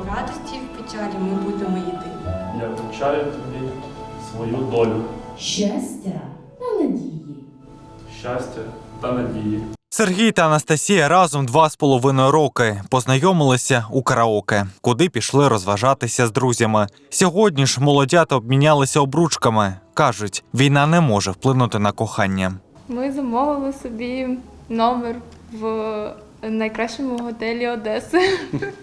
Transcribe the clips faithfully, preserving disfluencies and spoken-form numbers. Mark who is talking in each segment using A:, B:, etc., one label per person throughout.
A: в радості і в печалі ми будемо єдині.
B: Я вручаю тобі свою долю.
C: Щастя та надії.
B: Щастя та надії.
D: Сергій та Анастасія разом два з половиною роки познайомилися у караоке, куди пішли розважатися з друзями. Сьогодні ж молодята обмінялися обручками. Кажуть, війна не може вплинути на кохання.
E: Ми замовили собі номер в найкращому готелі Одеси.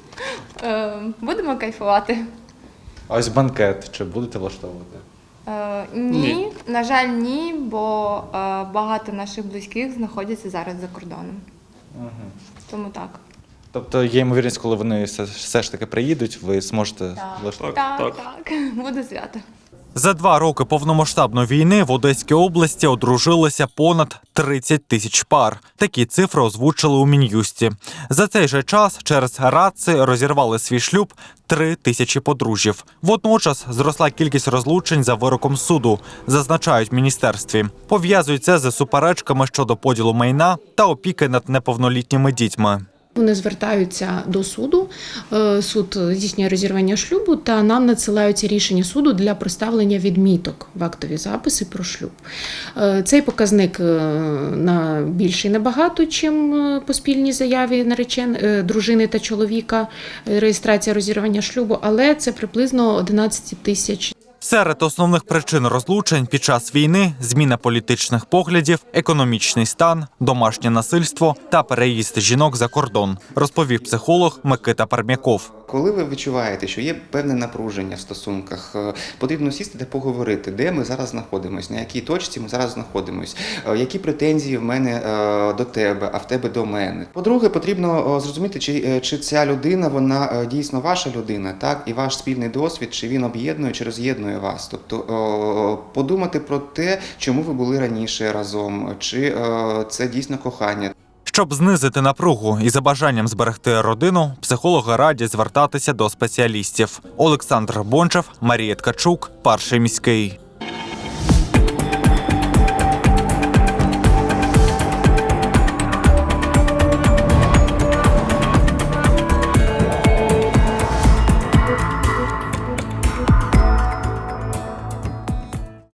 E: Е, Будемо кайфувати.
F: А ось банкет чи будете влаштовувати?
E: Е, Ні, на жаль, ні, бо е, багато наших близьких знаходяться зараз за кордоном.
F: Угу.
E: Тому так.
F: Тобто є ймовірність, коли вони все, все ж таки приїдуть, ви зможете
E: Так,
F: влаштувати?
E: так,
B: так.
E: так. Буде свято.
D: За два роки повномасштабної війни в Одеській області одружилися понад тридцять тисяч пар. Такі цифри озвучили у Мін'юсті. За цей же час через радци розірвали свій шлюб три тисячі подружжів. Водночас зросла кількість розлучень за вироком суду, зазначають в міністерстві. Пов'язують це з суперечками щодо поділу майна та опіки над неповнолітніми дітьми.
G: Вони звертаються до суду, суд здійснює розірвання шлюбу та нам надсилаються рішення суду для проставлення відміток в актові записи про шлюб. Цей показник на більший набагато, чим по спільній заяві наречен дружини та чоловіка, реєстрація розірвання шлюбу, але це приблизно одинадцять тисяч.
D: Серед основних причин розлучень під час війни – зміна політичних поглядів, економічний стан, домашнє насильство та переїзд жінок за кордон, розповів психолог Микита Пармяков.
H: Коли ви відчуваєте, що є певне напруження в стосунках, потрібно сісти та поговорити, де ми зараз знаходимося, на якій точці ми зараз знаходимося, які претензії в мене до тебе, а в тебе до мене. По-друге, потрібно зрозуміти, чи, чи ця людина, вона дійсно ваша людина, так, і ваш спільний досвід, чи він об'єднує, чи роз'єднує вас. Тобто подумати про те, чому ви були раніше разом, чи це дійсно кохання.
D: Щоб знизити напругу і за бажанням зберегти родину, психологи радять звертатися до спеціалістів. Олександр Бончев, Марія Ткачук, Перший міський.